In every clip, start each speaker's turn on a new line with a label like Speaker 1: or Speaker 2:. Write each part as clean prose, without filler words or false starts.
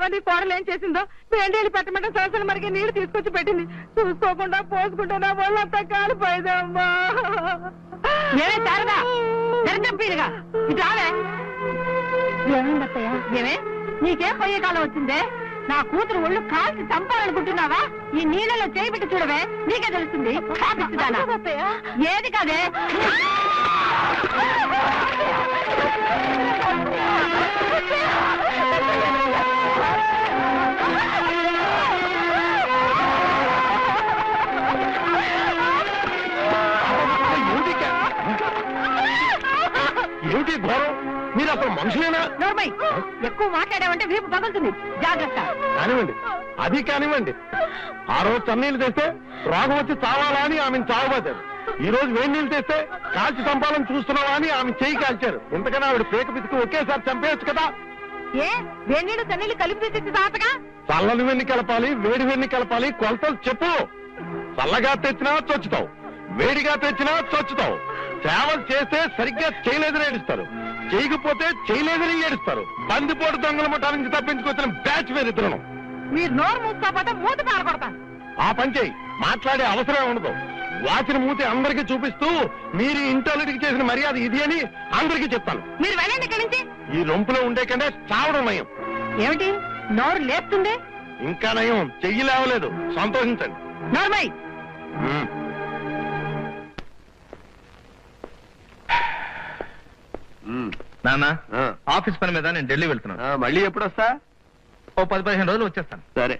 Speaker 1: చూసావా నీ కోడలు ఏం చేసిందో? వేండేళ్ళు పెట్టమంటే సరసలు మరిగి నీళ్లు తీసుకొచ్చి పెట్టింది. చూసుకోకుండా పోసుకుంటే నా వాళ్ళంతా కాలిపోయిందమ్మా. ఏమే శారదా, తెరచంపీలుగా ఇటు రావే. ఏమైందత్తయ్య? ఏమే నీకేం పోయే కాలం వచ్చిందే? నా కూతురు ఒళ్ళు కాల్చి చంపాలనుకుంటున్నావా? ఈ నీళ్ళలో చేయబెట్టి చూడవే, నీకే తెలుస్తుంది. ఏది కాదే.
Speaker 2: ఏమిటి ఘోరం? మీరు అసలు మనుషులేనా?
Speaker 1: ఎక్కువ మాట్లాడామంటే వీపు పగులుతుంది, జాగ్రత్త.
Speaker 2: కానివ్వండి, అది కానివ్వండి. ఆ రోజు చన్నీళ్ళు తెస్తే రోగం వచ్చి చావాలా అని ఆమెను చావబోతారు. ఈ రోజు వేడి నీళ్ళు తెస్తే కాల్చి చంపాలని చూస్తున్నావా అని ఆమె చేయి కాల్చారు. ఇంతకన్నా ఆవిడ పేక పితికి ఒకేసారి చంపేయచ్చు కదా.
Speaker 1: ఏ వేడి నీళ్ళు చన్నీళ్ళు కలిపి తెచ్చి తాతగా?
Speaker 2: చల్లని వెన్ని కలపాలి, వేడి వెన్ని కలపాలి, కొలతలు చెప్పు. చల్లగా తెచ్చినా చొచ్చుతావు, వేడిగా తెచ్చినా చొచ్చుతావు. సేవలు చేస్తే సరిగ్గా చేయలేదని ఏడుస్తారు, చేయకపోతే చేయలేదని ఏడుస్తారు. బందిపోటు దొంగల ముఠా నుంచి తప్పించుకొచ్చిన బ్యాచ్ వేరిద్దరు.
Speaker 1: మీరు నోరు మూసుకోకపోతే మూత పారకొడతాను.
Speaker 2: ఆ పని చేయి, మాట్లాడే అవసరం ఉండదు. వాచిన మూతి అందరికీ చూపిస్తూ మీరు ఇంటోళ్ళకి చేసిన మర్యాద ఇది అని అందరికీ చెప్తాను.
Speaker 1: మీరు వెళ్ళండి ఇక్కడి నుంచి.
Speaker 2: ఈ రొంపులో ఉండే కంటే చావడం నయం.
Speaker 1: ఏమిటి నోరు లేపుతుంది?
Speaker 2: ఇంకా నయం, చెయ్యి లేవలేదు, సంతోషించండి.
Speaker 1: నోర్మై.
Speaker 3: నాన్న, ఆఫీస్ పని మీద నేను ఢిల్లీ వెళ్తున్నాను.
Speaker 2: మళ్ళీ ఎప్పుడు వస్తా?
Speaker 3: ఓ 10-15 రోజులు వచ్చేస్తాను.
Speaker 2: సరే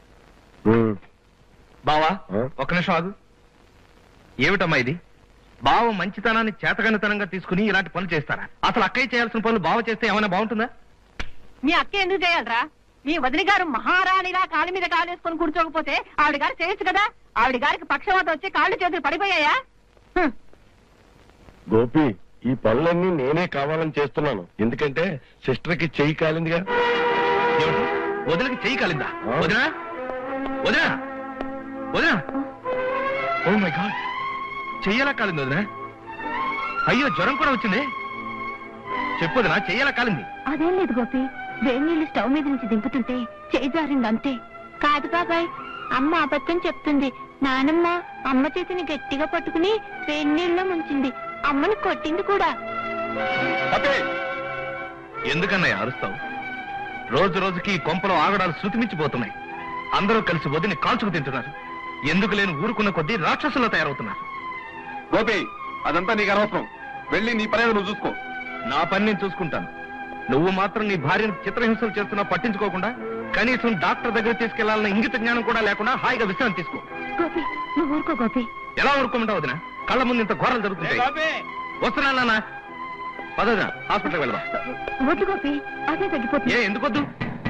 Speaker 3: బావా, ఒక్క నిమిషం ఆగు. ఏమిటమ్మా ఇది? బావ మంచితనాన్ని చేతగనితనంగా తీసుకుని ఇలాంటి పనులు చేస్తారా? అసలు అక్కయ్య చేయాల్సిన పనులు బావ చేస్తే ఏమైనా బాగుంటుందా?
Speaker 1: మీ అక్క ఎందుకు చేయాలరా? మీ వదిలి గారు మహారాణిలా కాలు మీద కాలేసుకొని కూర్చోకపోతే ఆవిడ గారు చేయొచ్చు కదా. ఆవిడ గారికి పక్షవాతం వచ్చి కాళ్ళు చేతులు పడిపోయాయా?
Speaker 2: గోపి, ఈ పనులన్నీ నేనే కావాలని చేస్తున్నాను. ఎందుకంటే సిస్టర్ కి చెయ్యి కాలిందిగా.
Speaker 3: వదిలికి చెయ్యి కాలిందా? వదినా వదినా వదినా, ఓ మై గాడ్, చెయ్యలా కాలింది వదినా. అయ్యో, జ్వరం కూడా వచ్చింది. చెప్పొదినా, చెయ్యలా కాలింది.
Speaker 4: అదేం లేదు గోపి, వేడి నీళ్లు స్టవ్ మీద నుంచి దింపుతుంటే చేయి జారింది అంతే. కాదు బాబాయ్, అమ్మ అబద్ధం చెప్తుంది. నానమ్మ అమ్మ చేతిని గట్టిగా పట్టుకుని వేడి నీళ్ళలో ముంచింది. అమ్మని కొట్టింది కూడా.
Speaker 3: ఎందుకన్నా అరుస్తావు? రోజు రోజుకి కొంపలో ఆగడాలు శృతిమించిపోతున్నాయి. అందరూ కలిసి వదిని కాల్చుకు తింటున్నారు. ఎందుకు లేని ఊరుకున్న కొద్దీ రాక్షసుల్లో తయారవుతున్నారు.
Speaker 2: గోపి, అదంతా నీకు అనవసరం. వెళ్ళి నీ పని నువ్వు చూసుకో.
Speaker 3: నా పని నేను చూసుకుంటాను. నువ్వు మాత్రం నీ భార్యను చిత్రహింసలు చేస్తున్నా పట్టించుకోకుండా, కనీసం డాక్టర్ దగ్గర తీసుకెళ్లాలన్న ఇంగిత జ్ఞానం కూడా లేకుండా హాయిగా విశ్రాంతి తీసుకో.
Speaker 4: గోపి, నువ్వు ఊరుకో గోపి.
Speaker 3: ఎలా ఊరుకోమంటావు వదినా? కళ్ళ ముందు ఇంత ఘోరాలు జరుగుతుంటాయి. వస్తున్నా నాన్న, పదవదినా, హాస్పిటల్కి వెళ్దాం.
Speaker 4: వద్దు గోపి, అదే తగ్గిపోతుంది.
Speaker 3: ఎందుకొద్దు?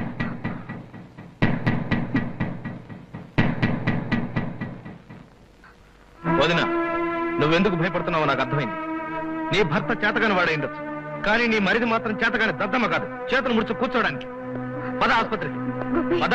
Speaker 3: వదినా, నువ్వెందుకు భయపడుతున్నావో నాకు అర్థమైంది. నీ భర్త చేతగాని వాడే ఉండొచ్చు, కానీ నీ మరిది మాత్రం చేతగాని దద్దమ్మ కాదు, చేతులు ముడుచు కూర్చోడానికి. పద ఆసుపత్రికి, పద.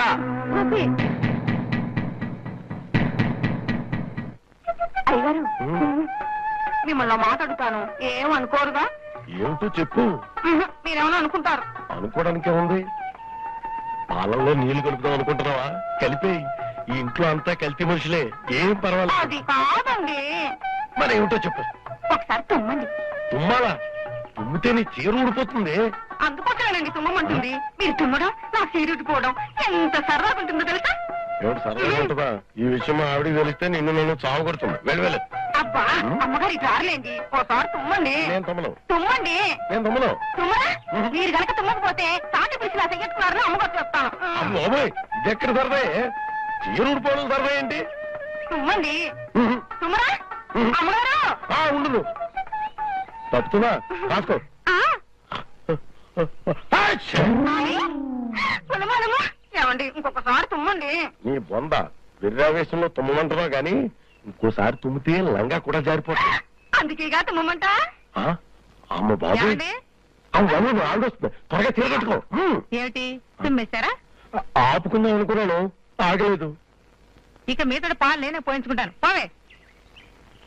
Speaker 1: అయ్యగారు, మిమ్మల్ని మాట్లాడుతాను, ఏమనుకోరుగా?
Speaker 2: ఏమిటో చెప్పు.
Speaker 1: మీరేమన్నా అనుకుంటారు?
Speaker 2: అనుకోవడానికే ఉంది. పాలల్లో నీళ్లు కలుపుదాం అనుకుంటున్నావా? కలిపేయి. ఈ ఇంట్లో అంతా కల్తీ మనుషులే, ఏం పర్వాలేదు.
Speaker 1: అది కాదండి.
Speaker 2: మరి ఏమిటో చెప్పు.
Speaker 1: ఒకసారి తుమ్మండి.
Speaker 2: తుమ్మాలా? తుమ్మితే నీ చీర ఊడిపోతుంది.
Speaker 1: అందుకోసమేనండి తుమ్మమంటుంది. మీరు తుమ్మడం, నా చీర ఊడిపోవడం ఎంత సరదాగా ఉంటుందో తెలుసా?
Speaker 2: ఏమిటి సరదాగా ఉంటుందా? ఈ విషయం ఆవిడికి తెలిస్తే నిన్ను నన్ను చావు కొడుతున్నా. వెళ్ళి
Speaker 1: అబ్బా, అమ్మగారు ఇటు రారులేండి. ఒకసారి తుమ్మండి.
Speaker 2: నేను తమ్మను.
Speaker 1: తుమ్మండి.
Speaker 2: నేను తమ్మను.
Speaker 1: తుమ్మరా? మీరు కనుక తుమ్మకపోతే తాటి పిలిచి నా చెయ్యట్టుకున్నారని అమ్మగారు చెప్తాను.
Speaker 2: బాబోయ్, ఇది ఎక్కడ సరదా? చీర ఊడిపోవడం సరదా ఏంటి?
Speaker 1: తుమ్మండి. తుమ్మరా? అమ్మగారు
Speaker 2: ఉండు. తప్పుతున్నా, రాసుకో.
Speaker 1: ఏమండి, ఇంకొకసారి తుమ్మండి.
Speaker 2: నీ బొంద విర్రావేశంలో తుమ్మంటున్నావు గాని ఇంకోసారి తుమ్మితే లంగా కూడా జారిపోతుంది.
Speaker 1: అందుకేగా తుమ్మంట.
Speaker 2: అమ్మ బాబు, ఆగొస్తుంది. త్వరగా తిరగట్టుకో.
Speaker 1: ఏమిటి తుమ్మేశారా?
Speaker 2: ఆపుకుందాం అనుకున్నాను, ఆగలేదు.
Speaker 1: ఇక మీతో పాలు నేనే పోయించుకుంటాను. పోవే.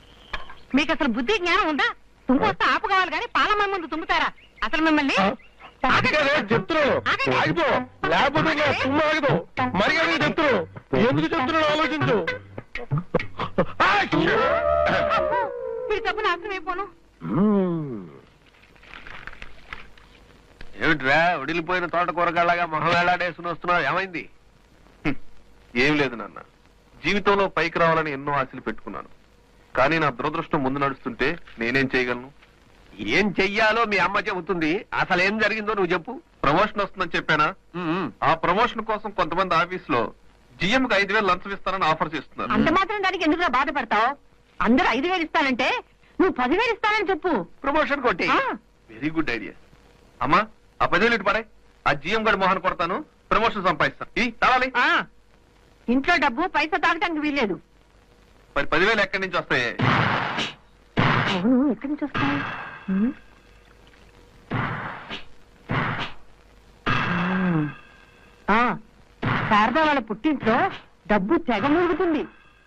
Speaker 1: మీకు అసలు బుద్ధి జ్ఞానం ఉందా? తుమ్ముకొస్తే ఆపు కావాలి కానీ పాలమ్మ ముందు తుమ్ముతారా? అసలు మిమ్మల్ని
Speaker 2: అది కదే చెప్తున్నాను, ఆగిపో, లేకపోతే నా తుమ్ము ఆగదు. మరి అది చెప్తున్నాను, ఎందుకు చెప్తున్నాను ఆలోచించు.
Speaker 1: మీరు తప్పు నాశనం అయిపోను.
Speaker 3: ఏమిట్రా ఉడిలిపోయిన తోట కూరగాళ్ళగా మొహం వేలాడేసుకుని వస్తున్నావు, ఏమైంది? ఏం లేదు నాన్న, జీవితంలో పైకి రావాలని ఎన్నో ఆశలు పెట్టుకున్నాను. కానీ నా దురదృష్టం ముందు నడుస్తుంటే నేనేం చేయగలను? ఏం చెయ్యాలో మీ అమ్మ చెబుతుంది. అసలు ఏం జరిగిందో నువ్వు చెప్పు. ప్రమోషన్ వస్తుందని చెప్పానా? ఆ ప్రమోషన్ కోసం కొంతమంది ఆఫీస్ లో జిఎంకి 5,000 లంచం ఇస్తానని ఆఫర్ చేస్తున్నారు.
Speaker 1: అంత మాత్రం దానికి ఎందుకు బాధపడతావు? అందరూ 5,000 ఇస్తానంటే నువ్వు 10,000 ఇస్తానని చెప్పు.
Speaker 3: ప్రమోషన్ కొట్టి. Very good idea. అమ్మా ఆ 10,000 ఇటు పడే. ఆ జిఎం గడి మోహన్ కొడతాను, ప్రమోషన్ సంపాదిస్తాను. ఈ తాళాలి.
Speaker 1: ఇంట్లో డబ్బు పైసా తాగటానికి వీల్లేదు.
Speaker 3: మరి 10,000 ఎక్కడి నుంచి వస్తాయి?
Speaker 1: అవును, ఎక్కడి నుంచి వస్తాయి? శారదా వాళ్ళ పుట్టింట్లో డబ్బు తెగ మురుగుతుంది.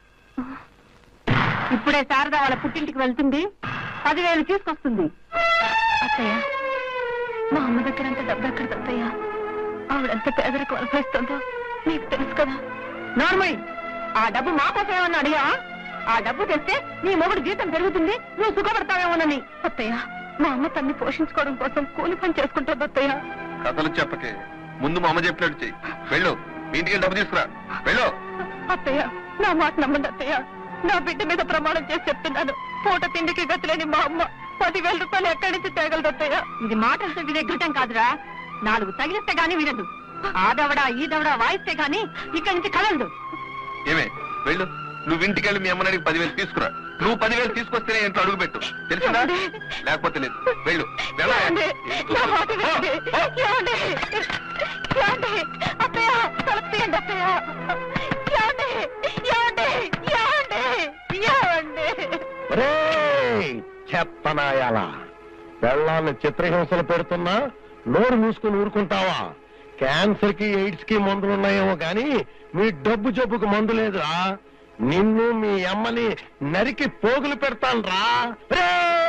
Speaker 1: ఇప్పుడే శారదా వాళ్ళ పుట్టింటికి వెళ్తుంది, 10,000 తీసుకొస్తుంది.
Speaker 4: అత్తయ్య, మా అమ్మ దగ్గర అంత డబ్బు ఎక్కడ అత్తయ్య? ఆవిడంత పేదరికం అనుభవిస్తుందో నీకు తెలుసు కదా.
Speaker 1: నార్మల్, ఆ డబ్బు మా కోసం ఏమన్నా అడిగా? ఆ డబ్బు తెస్తే నీ మొగుడు జీతం పెరుగుతుంది, నువ్వు సుఖపడతావేమోనని.
Speaker 4: అత్తయ్య, మా అమ్మ తన్ని పోషించుకోవడం కోసం కూలి పని చేసుకుంటుంది అత్తయ్య.
Speaker 3: కథలు చెప్పకే, ముందు మా అమ్మ చెప్పినట్టు చెయ్యి. వెళ్ళు, మీ ఇంటికి డబ్బు తీసుకురా. వెళ్ళు.
Speaker 4: అత్తయ్య, నా మాట నమ్మండి అత్తయ్య. నా బిడ్డ మీద ప్రమాణం చేసి చెప్తున్నాను, పూట తిండికి గతిలేని మా అమ్మ 10,000 రూపాయలు ఎక్కడి నుంచి తేగలదు అత్తయ్య?
Speaker 1: ఇది మాటలతో వినే ఘటం కాదురా, 4 తగిలిస్తే గానీ వినదు. ఆ దవడా ఈ దవడా వాయిస్తే గానీ ఇక్కడి నుంచి కదలదు.
Speaker 3: ఏమే, వెళ్ళు. నువ్వు ఇంటికి వెళ్ళి మీ అమ్మని అడిగి 10,000 తీసుకురా. నువ్వు 10,000 తీసుకొస్తేనే ఇంట్లో అడుగు పెట్టు, తెలిసిందా? లేకపోతే లేదు. వెళ్ళు.
Speaker 4: ఏమండి? నా మాట వినండి. ఏమండి? ఏమండి? అత్తయ్య, తలుపు తీయండి అత్తయ్య. ఏమండి? ఏమండి? ఏమండి? ఏమండి?
Speaker 2: చెత్తనాయాల పెళ్ళాన్ని చిత్రహింసలు పెడుతున్నా నోరు మూసుకుని ఊరుకుంటావా? క్యాన్సర్ కి ఎయిడ్స్ కి మందులున్నాయేమో గాని మీ డబ్బు జబ్బుకు మందు లేదురా. నిన్ను మీ అమ్మని నరికి పోగులు పెడతాను రా.